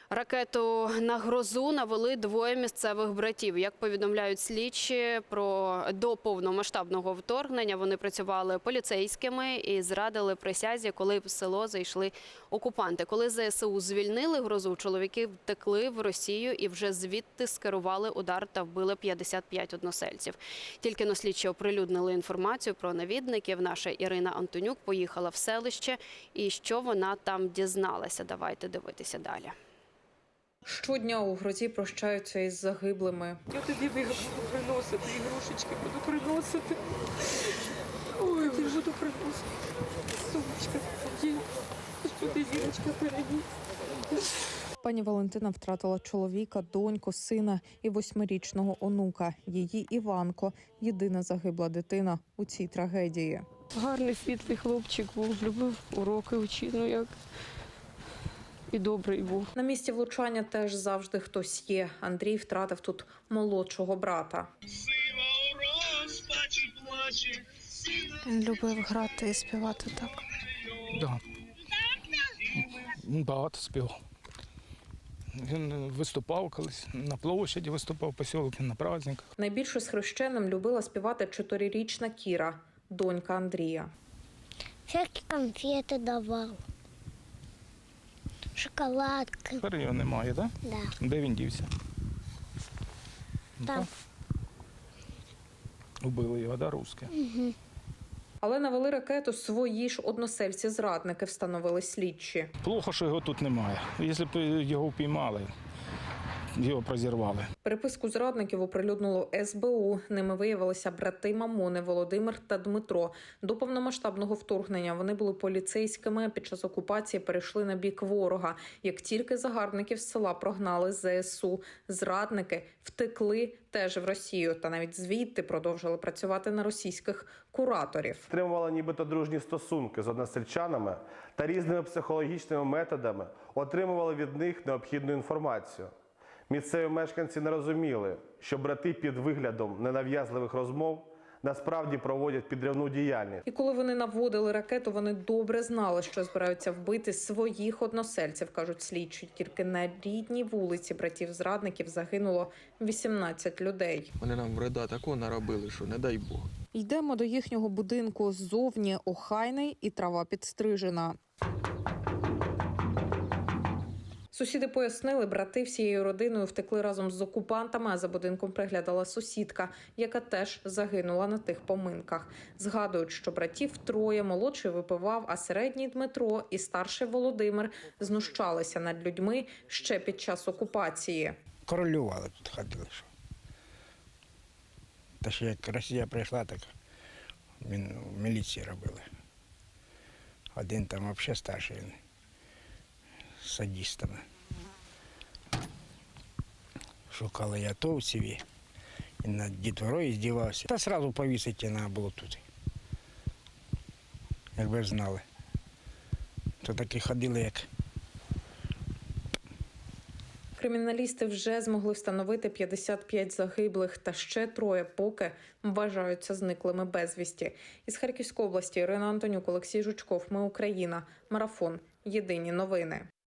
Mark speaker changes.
Speaker 1: Ракету на Грозу навели двоє місцевих братів. Як повідомляють слідчі, до повномасштабного вторгнення вони працювали поліцейськими і зрадили присязі, коли в село зайшли окупанти. Коли ЗСУ звільнили Грозу, чоловіки втекли в Росію і вже звідти скерували удар та вбили 55 односельців. Тільки но слідчі оприлюднили інформацію про навідників. Наша Ірина Антонюк поїхала в селище. І що вона там дізналася? Давайте дивитися далі.
Speaker 2: Щодня у Грозі прощаються із загиблими.
Speaker 3: Я тобі буду приносити, ігрушечки буду приносити. Ой, я буду приносити. Сумочка, господи, зірочка переді.
Speaker 2: Пані Валентина втратила чоловіка, доньку, сина і 8-річного онука. Її Іванко – єдина загибла дитина у цій трагедії.
Speaker 3: Гарний, світлий хлопчик був, любив уроки вчити, як і добрий був.
Speaker 2: На місці влучання теж завжди хтось є. Андрій втратив тут молодшого брата.
Speaker 4: Він любив грати і співати так.
Speaker 5: Да. Багато співав. Він виступав колись, на площаді виступав, посілок, на праздниках.
Speaker 2: Найбільше з хрещеним любила співати 4-річна Кіра, донька Андрія.
Speaker 6: Всякі конфети давав, шоколадки.
Speaker 5: Тепер його немає, так?
Speaker 6: Да.
Speaker 5: Де він дівся?
Speaker 6: Там.
Speaker 5: Убили його, да, русські?
Speaker 6: Угу.
Speaker 2: Але навели ракету свої ж односельці-зрадники, встановили слідчі.
Speaker 5: Плохо, що його тут немає. Якщо б його впіймали, його прозірвали.
Speaker 2: Переписку зрадників оприлюднило СБУ. Ними виявилися брати Мамони Володимир та Дмитро. До повномасштабного вторгнення вони були поліцейськими, а під час окупації перейшли на бік ворога. Як тільки загарбників з села прогнали ЗСУ, зрадники втекли теж в Росію та навіть звідти продовжили працювати на російських кураторів.
Speaker 7: Отримували нібито дружні стосунки з односельчанами та різними психологічними методами отримували від них необхідну інформацію. Місцеві мешканці не розуміли, що брати під виглядом ненав'язливих розмов насправді проводять підривну діяльність.
Speaker 2: І коли вони наводили ракету, вони добре знали, що збираються вбити своїх односельців, кажуть слідчі. Тільки на рідній вулиці братів-зрадників загинуло 18 людей.
Speaker 8: Вони нам вреда такого наробили, що не дай Бог.
Speaker 2: Йдемо до їхнього будинку. Ззовні охайний і трава підстрижена. Сусіди пояснили, брати всією родиною втекли разом з окупантами, а за будинком приглядала сусідка, яка теж загинула на тих поминках. Згадують, що братів троє, молодший випивав, а середній Дмитро і старший Володимир знущалися над людьми ще під час окупації.
Speaker 9: Королювали тут, ходили. Та ще як Росія прийшла, так він в міліції робили. Один там взагалі старший, він з садистами. Шукали ятовців і над дітворою здівався. Та одразу повісити треба було тут. Якби ж знали. То таки ходили, як...
Speaker 2: Криміналісти вже змогли встановити 55 загиблих, та ще троє поки вважаються зниклими безвісті. Із Харківської області Ірина Антонюк, Олексій Жучков. Ми Україна. Марафон. Єдині новини.